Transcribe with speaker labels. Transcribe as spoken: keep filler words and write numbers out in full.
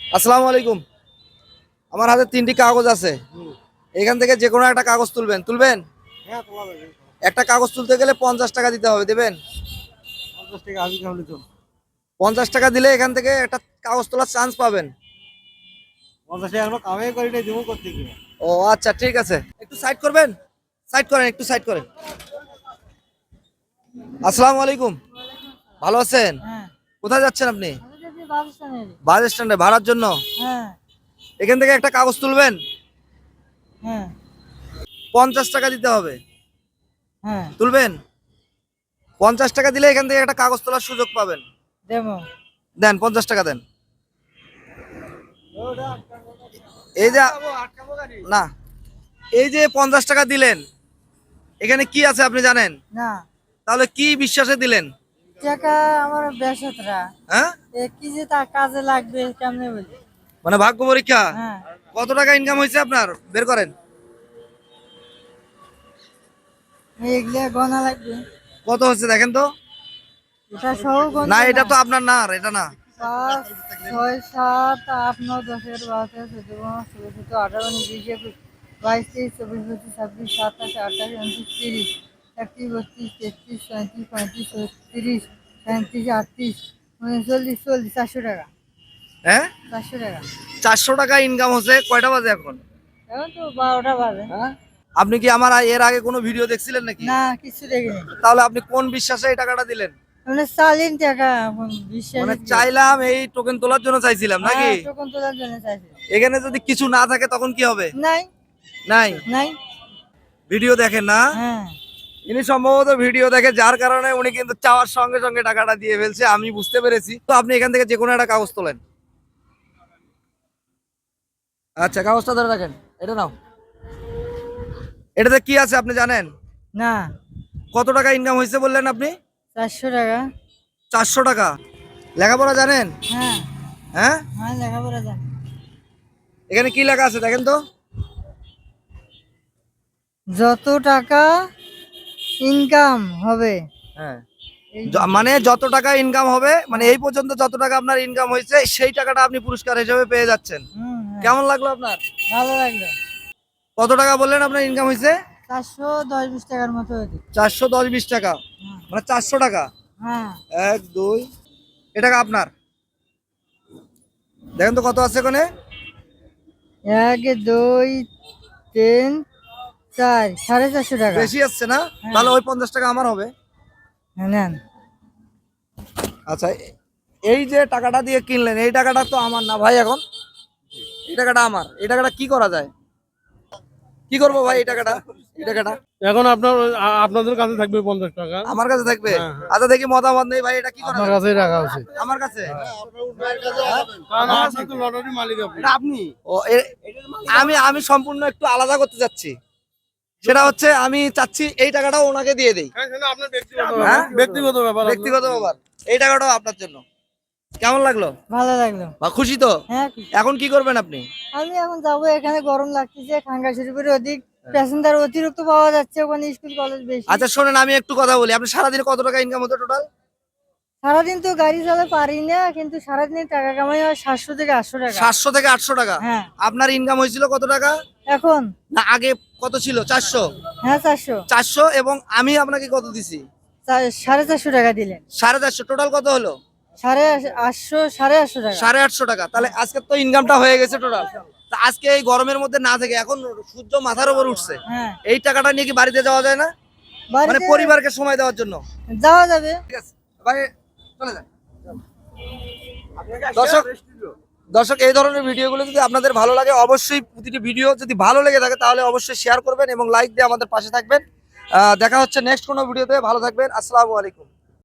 Speaker 1: আসসালামু আলাইকুম। আমার হাতে তিনটি কাগজ আছে, এখান থেকে যে কোনো একটা কাগজ তুলবেন। তুলবেন?
Speaker 2: হ্যাঁ, তোলা যাবে।
Speaker 1: একটা কাগজ তুলতে গেলে পঞ্চাশ টাকা দিতে হবে, দেবেন?
Speaker 2: পঞ্চাশ টাকা আমি কেমন তো?
Speaker 1: পঞ্চাশ টাকা দিলে এখান থেকে একটা কাগজ তোলার চান্স পাবেন।
Speaker 2: পঞ্চাশ টাকা এখনো কামাই করি নাই, দেবো করতে গিয়ে।
Speaker 1: ও আচ্ছা, ঠিক আছে, একটু সাইড করবেন। সাইড করেন, একটু সাইড করেন। আসসালামু আলাইকুম, ভালো আছেন?
Speaker 3: হ্যাঁ,
Speaker 1: কোথায় যাচ্ছেন আপনি?
Speaker 3: আমি যদি বাস স্ট্যান্ডে।
Speaker 1: বাস স্ট্যান্ডে ভাড়ার জন্য?
Speaker 3: হ্যাঁ,
Speaker 1: এখান থেকে একটা কাগজ তুলবেন,
Speaker 3: হ্যাঁ,
Speaker 1: পঞ্চাশ টাকা দিতে হবে।
Speaker 3: হ্যাঁ,
Speaker 1: তুলবেন? পঞ্চাশ টাকা দিলে এখান থেকে একটা কাগজ তোলার সুযোগ পাবেন।
Speaker 3: দেবো।
Speaker 1: দেন, পঞ্চাশ টাকা দেন। এই যে না, এই যে পঞ্চাশ টাকা দিলেন, এখানে কি আছে আপনি জানেন?
Speaker 3: না,
Speaker 1: তাহলে কি বিশ্বাসে দিলেন?
Speaker 3: টাকা আমার বেসতরা।
Speaker 1: হ্যাঁ,
Speaker 3: এ কি যে তা কাজে লাগবে কেমনে বলি?
Speaker 1: মানে ভাগ্য পরীক্ষা।
Speaker 3: হ্যাঁ,
Speaker 1: কত টাকা ইনকাম হয়েছে আপনার, বের করেন।
Speaker 3: এগুলা গনা লাগবে।
Speaker 1: কত হচ্ছে দেখেন তো।
Speaker 3: এটা সহ গনা।
Speaker 1: না, এটা তো আপনার না, আর এটা না।
Speaker 3: পাঁচ, ছয়, সাত, আট, নয়, দশ, এগারো, বারো, তেরো, চোদ্দ, পনেরো, ষোলো, সতেরো, আঠারো, উনিশ, বিশ, একুশ, বাইশ, তেইশ, চব্বিশ, পঁচিশ, ছাব্বিশ, সাতাশ, আঠাশ, উনত্রিশ, তিরিশ, একত্রিশ, বত্রিশ, তেত্রিশ, চৌত্রিশ, পঁয়ত্রিশ, ছত্রিশ, সাঁত্রিশ, আটত্রিশ, উনচল্লিশ, চল্লিশ, চারশো টাকা।
Speaker 1: হ্যাঁ,
Speaker 3: চারশো টাকা।
Speaker 1: চারশো টাকা ইনকাম হচ্ছে। কয়টা বাজে এখন?
Speaker 3: এখন তো বারোটা বাজে।
Speaker 1: হ্যাঁ, আপনি কি আমার এর আগে কোনো ভিডিও দেখছিলেন নাকি?
Speaker 3: না, কিছু দেখিনি।
Speaker 1: তাহলে আপনি কোন বিশ্বাসে এই টাকাটা দিলেন?
Speaker 3: মানে চালিন টাকা এখন বিশ্বাস।
Speaker 1: মানে চাইলাম, এই টোকেন তোলার জন্য চাইছিলাম নাকি?
Speaker 3: টোকন তোলার জন্য চাইছি।
Speaker 1: এখানে যদি কিছু না থাকে তখন কি হবে?
Speaker 3: নাই,
Speaker 1: নাই।
Speaker 3: নাই।
Speaker 1: ভিডিও দেখেন না?
Speaker 3: হ্যাঁ,
Speaker 1: ইনি সম্ভবত ভিডিও দেখে, যার কারণে উনি কিন্তু চাওয়ার সঙ্গে সঙ্গে টাকাটা দিয়ে ফেলছে, আমি বুঝতে পেরেছি। তো আপনি এখান থেকে যে কোনো একটা কাগজ তোলেন। আচ্ছা, কাগজটা ধরে রাখেন, এটা নাও। এটাতে কি আছে আপনি জানেন?
Speaker 3: না।
Speaker 1: কত টাকা ইনকাম হয়েছে বললেন আপনি?
Speaker 3: চারশো টাকা।
Speaker 1: চারশো টাকা। লেখাপড়া জানেন?
Speaker 3: হ্যাঁ,
Speaker 1: হ্যাঁ,
Speaker 3: হ্যাঁ, লেখাপড়া জানি।
Speaker 1: এখানে কি লেখা আছে দেখেন তো।
Speaker 3: যত টাকা ইনকাম হবে।
Speaker 1: হ্যাঁ,
Speaker 3: এই
Speaker 1: য- মানে যত টাকা ইনকাম হবে, মানে এই পর্যন্ত যত টাকা আপনার ইনকাম হয়েছে সেই টাকাটা আপনি পুরস্কার হিসেবে পেয়ে যাচ্ছেন।
Speaker 3: হুম, হ্যাঁ।
Speaker 1: কেমন লাগলো আপনার?
Speaker 3: ভালো লাগলো।
Speaker 1: কত টাকা বললেন আপনার ইনকাম হয়েছে?
Speaker 3: চারশো দশ বিশ টাকার মতো হয়েছে।
Speaker 1: চারশো দশ বিশ টাকা,
Speaker 3: হ্যাঁ,
Speaker 1: মানে চারশো টাকা।
Speaker 3: হ্যাঁ,
Speaker 1: এক দুই, এ টাকা আপনার। দেখেন তো কত আছে এখানে।
Speaker 3: এক, দুই, তিন, চার, সাড়ে চারশো টাকা।
Speaker 1: বেশি আসছে না? তাহলে ওই পঞ্চাশ টাকা আমার হবে।
Speaker 3: হ্যাঁ, নেন।
Speaker 1: আচ্ছা, এ- এই যে টাকাটা দিয়ে কিনলেন, এই টাকাটা তো আমার না ভাই। এখন এই টাকাটা আমার, এই টাকাটা কি করা যায়? কি করবো ভাই এই টাকাটা? এই টাকাটা
Speaker 2: এখন আপনার আ- আপনাদের কাছে থাকবে পঞ্চাশ টাকা।
Speaker 1: আমার কাছে থাকবে?
Speaker 2: হ্যাঁ, হ্যাঁ।
Speaker 1: আচ্ছা, দেখি মতামত নেই ভাই, এটা কি করা
Speaker 2: আপনার
Speaker 1: যায়?
Speaker 2: কাছেই রাখা উচিত।
Speaker 1: আমার কাছে?
Speaker 2: কারণ আপনার তো লটারি মালিক আপনি।
Speaker 1: এটা আপনি? ও, এ- আমি আমি সম্পূর্ণ একটু আলাদা করতে চাচ্ছি। সেটা হচ্ছে, আমি চাচ্ছি এই টাকাটাও ওনাকে দিয়ে দেই।
Speaker 2: হ্যাঁ, সেটা আপনার ব্যক্তিগত
Speaker 1: হ্যাঁ?
Speaker 2: ব্যাপার। ব্যক্তিগত ব্যাপার আপনার।
Speaker 1: ব্যক্তিগত ব্যাপার। এই টাকাটাও আপনার জন্য। কেমন লাগলো?
Speaker 3: ভালো লাগলো।
Speaker 1: বা খুশি তো?
Speaker 3: হ্যাঁ,
Speaker 1: এখন কি করবেন আপনি?
Speaker 3: আমি এখন যাবো, এখানে গরম লাগতেছে, খাঙ্গাশরীফের অধিক প্যাসেঞ্জার অতিরিক্ত পাওয়া যাচ্ছে, ওখানে স্কুল কলেজ বেশি।
Speaker 1: আচ্ছা শোনেন, আমি একটু কথা বলি। আপনি সারাদিনে কত টাকা ইনকাম হতো টোটাল?
Speaker 3: সারাদিন তো গাড়ি চালাতে পারি না, কিন্তু সারাদিনে টাকা কামাই হয় সাতশো থেকে আটশো টাকা।
Speaker 1: সাতশো থেকে আটশো টাকা।
Speaker 3: হ্যাঁ।
Speaker 1: আপনার ইনকাম হয়েছিল কত টাকা?
Speaker 3: এখন?
Speaker 1: না, আগে কত ছিল? চারশো?
Speaker 3: হ্যাঁ, চারশো।
Speaker 1: চারশো, এবং আমি আপনাকে কত দিছি?
Speaker 3: চা- সাড়ে চারশো টাকা দিলেন।
Speaker 1: সাড়ে চারশো। টোটাল কত হলো?
Speaker 3: সাড়ে আশ- আটশো সাড়ে আটশো টাকা।
Speaker 1: সাড়ে আটশো টাকা। তাহলে আজকে তো ইনকামটা হয়ে গেছে টোটাল। তা আজকে এই গরমের মধ্যে না থেকে, এখন সূর্য মাথার উপর উঠছে,
Speaker 3: হ্যাঁ,
Speaker 1: এই টাকাটা নিয়ে কি বাড়িতে যাওয়া যায় না? মানে
Speaker 3: বাড়িতে
Speaker 1: পরিবারকে সময় দেওয়ার জন্য।
Speaker 3: যাওয়া যাবে।
Speaker 1: ঠিক আছে ভাই, চলে যান। দর্শক দর্শক এই ধরনের ভিডিওগুলো যদি আপনাদের ভালো লাগে, অবশ্যই প্রতিটি ভিডিও যদি ভালো লেগে থাকে তাহলে অবশ্যই শেয়ার করবেন এবং লাইক দিয়ে আমাদের পাশে থাকবেন। আহ, দেখা হচ্ছে নেক্সট কোনো ভিডিওতে। ভালো থাকবেন। আসসালামু আলাইকুম।